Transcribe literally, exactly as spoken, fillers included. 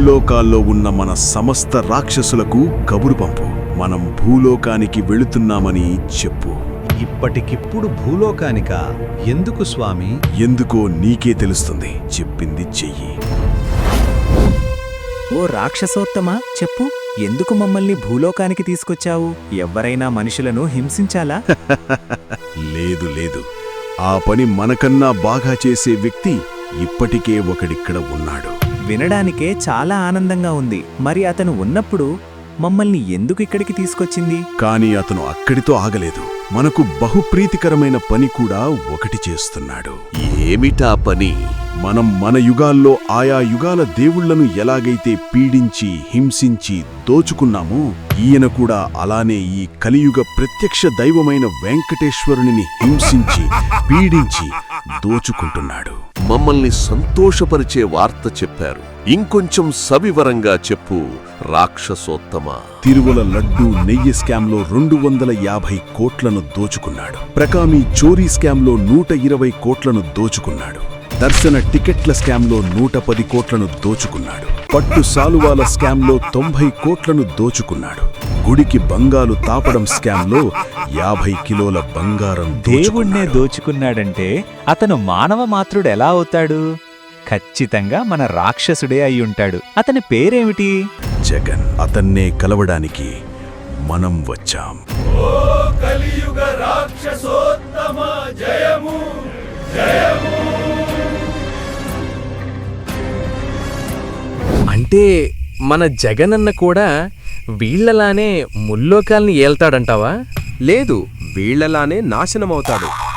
ముల్లోకాల్లో ఉన్న మన సమస్త రాక్షసులకు కబురు పంపు. మనం భూలోకానికి వెళుతున్నామని చెప్పు. ఇప్పటికిప్పుడు భూలోకానికా? ఎందుకు స్వామి? ఎందుకో నీకే తెలుస్తుంది. చెప్పింది చెయ్యి. ఓ రాక్షసోత్తమా, చెప్పు, ఎందుకు మమ్మల్ని భూలోకానికి తీసుకొచ్చావు? ఎవ్వరైనా మనుషులను హింసించాలా? లేదు లేదు, ఆ పని మనకన్నా బాగా చేసే వ్యక్తి ఇప్పటికే ఒకడిక్కడ ఉన్నాడు. వినడానికే చాలా ఆనందంగా ఉంది. మరి అతను ఉన్నప్పుడు మమ్మల్ని ఎందుకు ఇక్కడికి తీసుకొచ్చింది? కాని అతను అక్కడితో ఆగలేదు. మనకు బహుప్రీతికరమైన పని కూడా ఒకటి చేస్తున్నాడు. ఏమిటా పని? మనం మన యుగాల్లో ఆయా యుగాల దేవుళ్లను ఎలాగైతే పీడించి హింసించి దోచుకున్నామో, ఈయన కూడా అలానే ఈ కలియుగ ప్రత్యక్ష దైవమైన వెంకటేశ్వరుని హింసించి పీడించి దోచుకుంటున్నాడు. మమ్మల్ని సంతోషపరిచే వార్త చెప్పారు. ఇంకొంచెం సవివరంగా చెప్పు రాక్షసోత్తమా. తిరుమల లడ్డూ నెయ్యి స్కామ్లో రెండు వందల యాభై కోట్లను దోచుకున్నాడు. ప్రకామి చోరీ స్కామ్లో నూట ఇరవై కోట్లను దోచుకున్నాడు. దర్శన టికెట్ల స్కామ్లో నూట పది కోట్లను దోచుకున్నాడు. పట్టు సాలువాల స్కామ్లో తొంభై కోట్లను దోచుకున్నాడు. గుడికి బంగాలు తాపడం స్కామ్లో యాభై కిలోల బంగారం దేవుణ్ణే దోచుకున్నాడంటే అతను మానవ మాత్రుడు ఎలా అవుతాడు? ఖచ్చితంగా మన రాక్షసుడే అయ్యుంటాడు. అతని పేరేమిటి? జగన్. అతన్నే కలవడానికి మనం వచ్చాం. అంటే మన జగనన్న కూడా వీళ్లలానే ముల్లోకాల్ని ఏల్తాడంటావా? లేదు, వీళ్లలానే నాశనమవుతాడు.